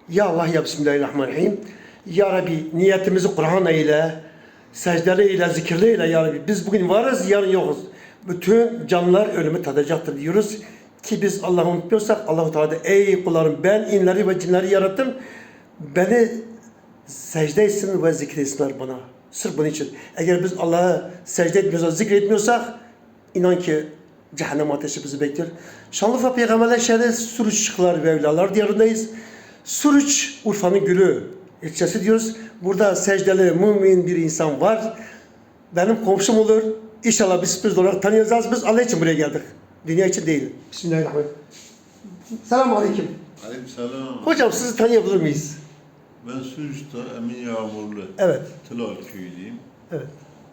Ya Allah ya Bismillahirrahmanirrahim. Ya Rabbi niyetimizi Kur'an eyle, secdeli eyle, zikirli eyle ya Rabbi. Biz bugün varız, yarın yokuz. Bütün canlılar ölümü tadacaktır diyoruz. Ki biz Allah'ı unutmuyorsak Allah-u Teala de, ey kullarım ben inleri ve cinleri yarattım. Beni secde etsin ve zikretsinler bana. Sırf bunun için. Eğer biz Allah'a secde etmiyorsak, zikretmiyorsak inan ki cehennem ateşi bizi bekliyor. Şanlıurfa Peygamberler şehri Suruçlar ve Evliyalar diyarındayız. Suruç, Urfa'nın gülü ilçesi diyoruz. Burada secdeli, mümin bir insan var. Benim komşum olur. İnşallah biz sürpriz olarak tanıyacağız. Biz Allah için buraya geldik. Dünya için değil. Bismillahirrahmanirrahim. Selamun Aleyküm. Aleykümselam. Hocam sizi tanıyabilir miyiz? Ben Suruç'ta Emin Yağmurlu. Evet. Tılal köyüyüm. Evet.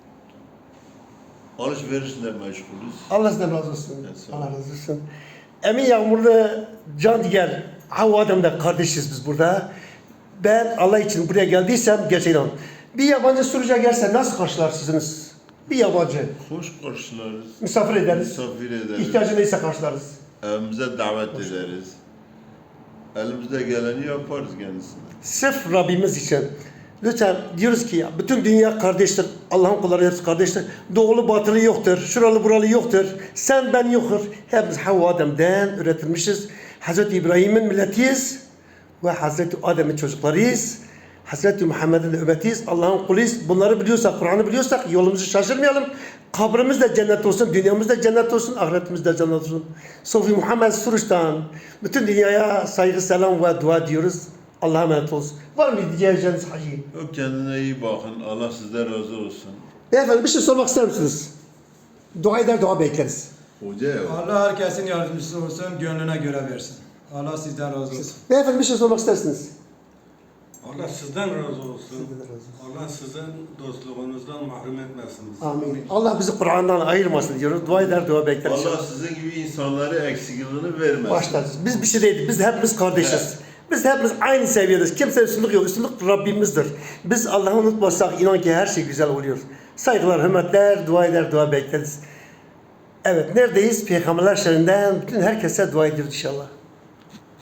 Alışverişle meşgulüz. Allah sizden razı olsun. Evet, sağ olun. Allah razı olsun. Emin Yağmurlu, can diğer Havva Adem'de kardeşiz biz burada. Ben Allah için buraya geldiysem gerçekten bir yabancı Suruç'a gelse nasıl karşılarsınız? Bir yabancı. Hoş karşılarız. Misafir ederiz. Misafir ederiz. İhtiyacı neyse karşılarız. Evimize davet ederiz. Elimizde geleni yaparız kendisine. Sırf Rabbimiz için. Lütfen diyoruz ki ya, bütün dünya kardeştir. Allah'ın kulları hepsi kardeştir. Doğulu batılı yoktur. Şuralı buralı yoktur. Sen ben yoktur. Hepimiz Havva Adem'den üretilmişiz. Hazreti İbrahim'in milletiyiz. Ve Hazreti Adem'in çocuklarıyız. Hazreti Muhammed'in ümmetiyiz. Allah'ın kuluyuz. Bunları biliyorsak, Kur'an'ı biliyorsak yolumuzu şaşırmayalım. Kabrimiz de cennet olsun, dünyamız da cennet olsun, ahiretimiz de cennet olsun. Sofi Muhammed Suruç'tan bütün dünyaya saygı, selam ve dua diyoruz. Allah'a emanet olsun. Var mı diyeceğiniz hacı? Yok, kendine iyi bakın. Allah sizden razı olsun. Beyefendi bir şey sormak ister misiniz? Dua eder, dua bekleriz. Hoca ya. Allah herkesin yardımcısı olsun, gönlüne göre versin. Allah sizden razı olsun. Beyefendi bir şey sormak istersiniz. Allah sizden razı olsun. Sizden razı olsun. Allah sizin dostluğunuzdan mahrum etmesin bizi. Amin. Allah bizi Kur'an'dan ayırmasın diyoruz. Dua eder, dua bekleriz. Allah sizin gibi insanları eksikliğini vermesin. Başlarız. Biz bir şey değiliz. Biz hepimiz kardeşiz. Evet. Biz hepimiz aynı seviyedeyiz. Kimse üstünlük yok. Üstünlük Rabbimizdir. Biz Allah'ı unutmazsak inan ki her şey güzel oluyor. Saygılar, hürmetler, dua eder, dua bekleriz. Evet, neredeyiz? Peygamberler şehrinden bütün herkese dua ediyoruz inşallah.